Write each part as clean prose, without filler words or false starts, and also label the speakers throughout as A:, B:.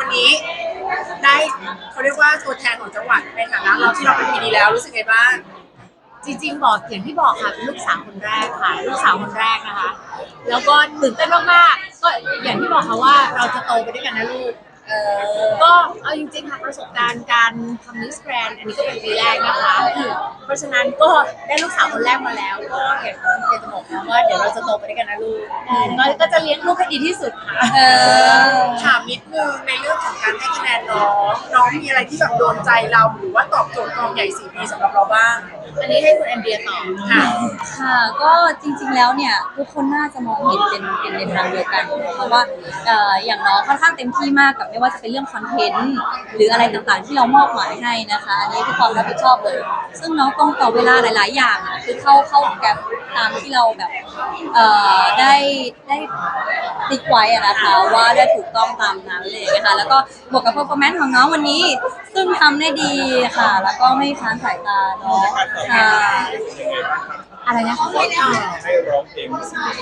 A: วันนี้ได้เขาเรียกว่าตัวแทนของจังหวัดในฐานะเราที่เราเป็นปีนี้แล้วรู้สึกไงบ้าง
B: จริงๆบอกอย่างที่บอกค่ะเป็นลูกสาวคนแรกค่ะลูกสาวคนแรกนะคะแล้วก็ตื่นเต้นมากๆก็อย่างที่บอกค่ะว่าเราจะโตไปด้วยกันนะลูกก็เอาจริงๆค่ะประสบการณ์การทำมิสแกรนด์อันนี้ก็เป็นปีแรกนะคะเพราะฉะนั้นก็ได้ลูกสาวคนแรกมาแล้วก็อยากจะบอกนะว่าเดี๋ยวเราจะโตไปด้วยกันนะลูกก็จะเลี้ยงลูกให้ดีที่สุดค่ะ
A: ถามนิดนึงในเรื่องของการให้คะแนนน้องมีอะไรที่แบบโดนใจเราหรือว่าตอบโจทย์กองใหญ่4 ปีสำหรับเราบ้าง
B: อันนี้ให้คุณแอนเดียตอบ
A: ค่ะ
C: ค่ะก็จริงๆแล้วเนี่ยทุกคนน่าจะมองเห็นเป็นในทางเดียวกันเพราะว่าอย่างน้องค่อนข้างเต็มที่มากกับไม่ว่าจะเป็นเรื่องคอนเทนต์หรืออะไรต่างๆที่เรามอบหมายให้นะคะอันนี้คือความรับผิดชอบเลยซึ่งน้องต้องต่อเวลาหลายๆอย่างคือเข้าแกร็บตามที่เราแบบได้ติ๊กไว้นะคะว่าได้ถูกต้องตามนั้นเลยนะคะแล้วก็บวกกับ performance ของน้องวันนี้ซึ่งทำได้ดีค่ะแล้วก็ไม่ค้านสายตาเนาะค่ะอะไรนะคะ
D: ให้ร้องเพลง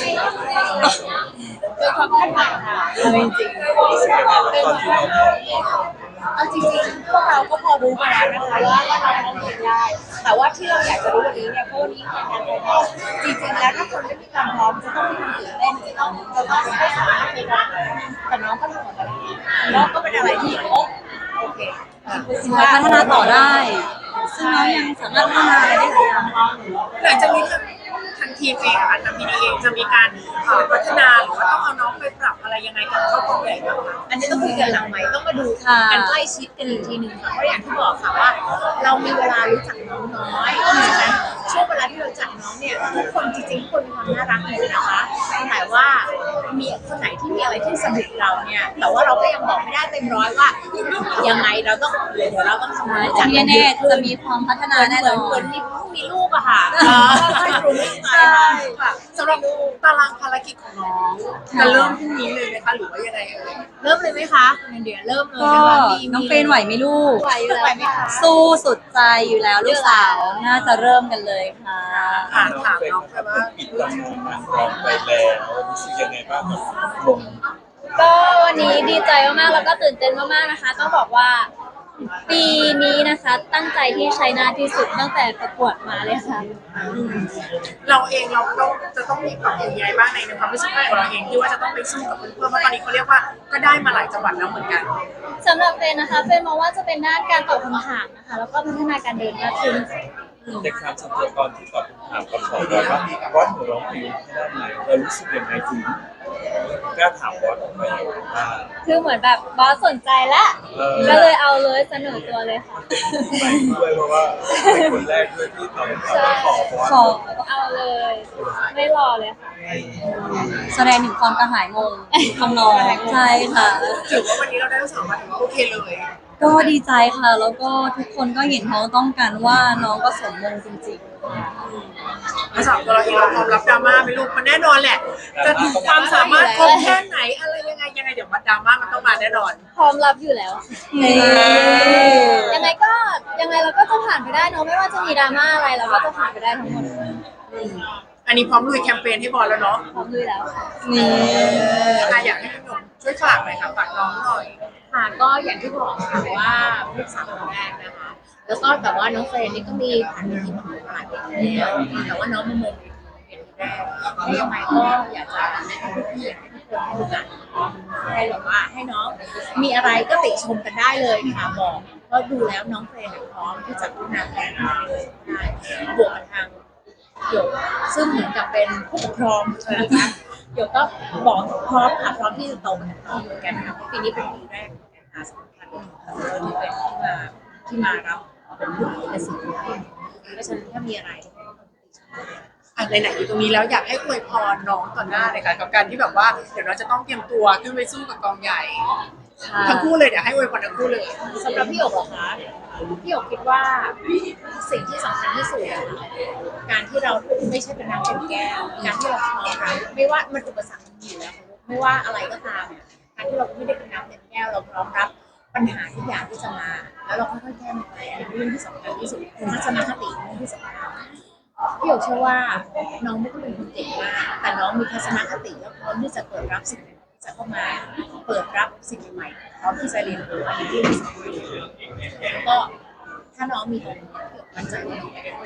B: เป็นความคาดหวังค่ะจริงๆเอาจริงๆพวกเราก็พอรู้มาแล้วนะคะว่าเราร้องเพลงได้แต่ว่าที่เราอยากจะรู้วันนี้เนี่ยเพราะวันนี้เป็นงานไฟนอลจริงๆแล้วถ้าคนไม่มีความพร้อมจะต้องมีความตื่นเต้นจะต้องไม่สามารถไปร้องแต่น้องก็ทำออกมาได้แล้วก็เป็นอะไรที่โอเค
C: พัฒนาต่อได้ซึ่งน้องยังสามารถพัฒนาอะไรได้หลายอย่าง
A: หลังจากนี้ทางทีมเองทางพีดีเองจะมีการพัฒนาหรือว่าต้องเอาน้องไปปรับอะไรยังไงกับเข้ากองใหญ่บ้างคะ
B: อันนี้ต้องคุยกันหลังไหมต้องมาดูกันใกล้ชิดกันอีกทีหนึ่งค่ะเพราะอย่างที่บอกค่ะว่าเรามีเวลารู้จักน้องน้อยเพราะฉะนั้นช่วงเวลาที่เราจัดน้องเนี่ยทุกคนจริงๆทุกคนมีความน่ารักหมดนะคะแต่ว่ามีคนไหนที่มีอะไรที่สะดุดเราเนี่ยแต่ว่าเราก็ยังบอกไม่ได้เต็มร้อยว่ายังไงเราต้องเดี๋ยวเราต้องทำงานจัด
C: แน่ๆจะมีความพัฒนาแน่นอน
B: เหมือนมีลูกอะค่ะค่อยๆปรุงไป
A: ค่ะสำหรับตารางภารกิจของน้องจะเริ่มพรุ่งนี้เลยไหมคะหรือว่ายังไง
B: เริ่มเลยไหมคะเดี๋ยวเริ่มเลย
C: ก็น้องเฟรนไหวไหมลูก
B: ไหวอยู่แล้วไหมคะ
C: สู้สุดใจอยู่แล้วลูกสาวน่าจะเริ่มกันเลยค่ะ
A: ถามน้องค่ะว่า
D: ปิดตำนานร้องไปแล้วรู้สึกยังไงบ้างกับลง
E: ก็วันนี้ดีใจมากๆแล้วก็ตื่นเต้นมากๆนะคะต้องบอกว่าปีนี้นะคะตั้งใจที่ใช้หน้าที่สุดตั้งแต่ประกวดมาเลยค่ะ
A: เราเองเราจะต้องมีปรับยังไงบ้างในความรู้สึกของเราเองที่ว่าจะต้องไปสู้กับเพื่อนเพราะตอนนี้เขาเรียกว่าก็ได้มาหลายจังหวัดแล้วเหมือนกัน
E: สำหรับเฟนนะคะเฟนมองว่าจะเป็นด้านการตอบคำถามนะคะแล้วก็พัฒนาการเดินมากขึ้น
D: ในครั้งสุดท้ายตอนที่ตอบคำถามกับขอว่าร้อนหรือร้องเพลงให้ได้ไหมเรารู้สึกยังไงถึงกล้าถามบอสออกไป
E: คือเหมือนแบบบอสสนใจแล้วก็เลยเอาเลยเสนอตัวเลยค่ะ
D: ด้วยเพราะว่าเป็นคนแรกด้วยที่ตอบคำถามขอ
E: เอาเลยไม่รอเลยค่ะ
C: แสดงถึงความกระหายงงของน้องใช่ค่ะ
A: ถือว่าวันนี้เราได้ทั้งสองมาถึงโอเคเลย
C: ก็ดีใจค่ะแล้วก็ทุกคนก็เห็นท้องต้องกันว่าน้องก็สมมงจริง
A: ภาษาตัวเราเองเราพร้อมรับดราม่าไหมลูกมันแน่นอนแหละจะความสามารถครบแค่ไหนอะไรยังไงเดี๋ยวมันดราม่ามันต้องมาแน่นอน
E: พร้อมรับอยู่แล้วยังไงเราก็จะผ่านไปได้เนอะไม่ว่าจะมีดราม่าอะไรเราก็จะผ่านไปได้ทั้งหมด
A: อันนี้พร้อมลุยแคมเปญให้บอลแล้วเนาะ
E: พร้อมลุยแล้วค่ะ
A: อยากให้พี่หนุ่มช่วยฝากหน่อยค่ะฝากน้องหน่อย
B: ค่ะก็อย่างที่บอกค่ะว่าลูกสาวคนแรกนะคะแล้วก็แต่ว่าน้องเฟรนนี่ก็มีผ่านที่ประกวดหลายปีแล้วแต่ว่าน้องมาเมืองเป็นแรกที่ยังไงก็อยากจะแนะนำพี่ให้ทุกคนให้รู้จักให้แบบว่าให้น้องมีอะไรก็ติชมกันได้เลยค่ะบอกเพราะดูแล้วน้องเฟรนพร้อมที่จะพัฒนาแทนได้บวกกับทางหยกซึ่งเหมือนกับเป็นผู้ปกครองนะคะหยกก็บอกพร้อมค่ะพร้อมที่จะโตกับน้องเหมือนกันค่ะปีนี้เป็นปีแรกนะคะสำคัญที่เป็นที่มารับเป็นผู้ในสิ่งที่เพราะฉะนั้นถ้ามีอะไร
A: ไหนๆอยู่ตรงนี้แล้วอยากให้อวยพรน้องต่อหน้าเลยค่ะกับการที่แบบว่าเดี๋ยวเราจะต้องเตรียมตัวขึ้นไปสู้กับกองใหญ่ทั้งคู่เลยเดี๋ยวให้อวยพรทั้งคู่เลย
B: สำหรับพี่หยกเหรอคะพี่หยกคิดว่าสิ่งที่สำคัญที่สุดการที่เราไม่ใช่เป็นน้ำเต็มแก้วการที่เราพร้อมรับไม่ว่ามันอุปสรรคมันอยู่แล้วไม่ว่าอะไรก็ตามการที่เราไม่ได้เป็นน้ำเต็มแก้วเราพร้อมรับปัญหาทุกอย่างที่จะมาแล้วเราค่อยๆแก้มันไปเป็นเรื่องที่สำคัญที่สุดทัศนคติเป็นเรื่องที่สำคัญพี่หยกเชื่อว่าน้องไม่ต้องเป็นคนเก่งมากแต่น้องมีทัศนคติและพร้อมที่จะเปิดรับสิ่งใหม่ๆจะเข้ามาเปิดรับสิ่งใหม่ๆพร้อมที่จะเรียนรู้อันนี้ที่รู้สึกดีแล้วก็ถ้าน้องมีตรงนี้มั่นใจว่าน้องจะได้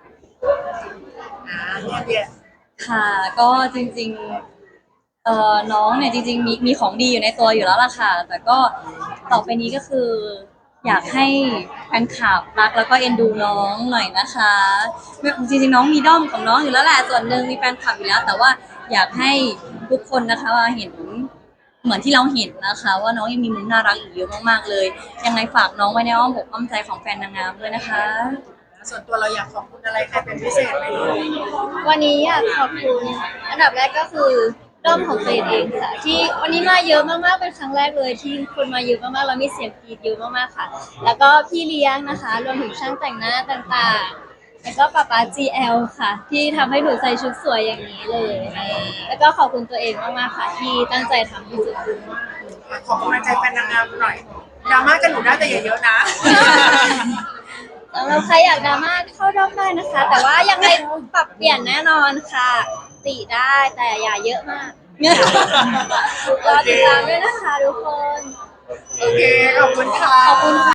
A: เนี่ย
C: ค่ะก็จริงๆน้องเนี่ยจริงๆมีของดีอยู่ในตัวอยู่แล้วล่ะค่ะ แต่ก็ต่อไปนี้ก็คืออยากให้แฟนคลับรักแล้วก็เอ็นดูน้องหน่อยนะคะจริงๆน้องมีด้อมของน้องอยู่แล้วแหละส่วนหนึ่งมีแฟนคลับอยู่แล้ว แต่ว่าอยากให้ทุกคนนะคะว่าเห็นเหมือนที่เราเห็นนะคะ ว่าน้องยังมีมุมน่ารักอีกเยอะมากๆเลยยังไงฝากน้องไว้ในอ้อมอกอ้อมใจของแฟนนางงามด้วยนะคะ
A: ส่วนตัวเราอยากขอบคุณอะไรใครเป็นพิเศษไหมลูก
E: วันนี้อยากขอบคุณอันดับแรกก็คือด้อมของเฟยเองค่ะที่วันนี้มาเยอะมากๆเป็นครั้งแรกเลยที่คนมาเยอะมากๆแล้วมีเสียงกรี๊ดเยอะมากๆค่ะ แล้วก็พี่เลี้ยงนะคะรวมถึงช่างแต่งหน้าต่างๆแล้วก็ป๊า GL ค่ะ ที่ทำให้หนูใส่ชุดสวยอย่างนี้เลย แล้วก็ขอบคุณตัวเองมากๆค่ะที่ตั้งใจทำที่สุด
A: ขอกำลังใจแฟนนางงามหน่อยดราม่ากันหนูได้แต่อย่าเยอะนะ
E: สำหรับใครอยากดราม่าเข้าด้อมได้นะคะ แต่ว่ายังไงปรับเปลี่ยนแน่นอนค่ะ ติได้แต่อย่าเยอะมากรอติดตามด้วยนะคะทุกคน
A: โอเค ขอบคุณค่ะ
C: ขอบคุณค่ะ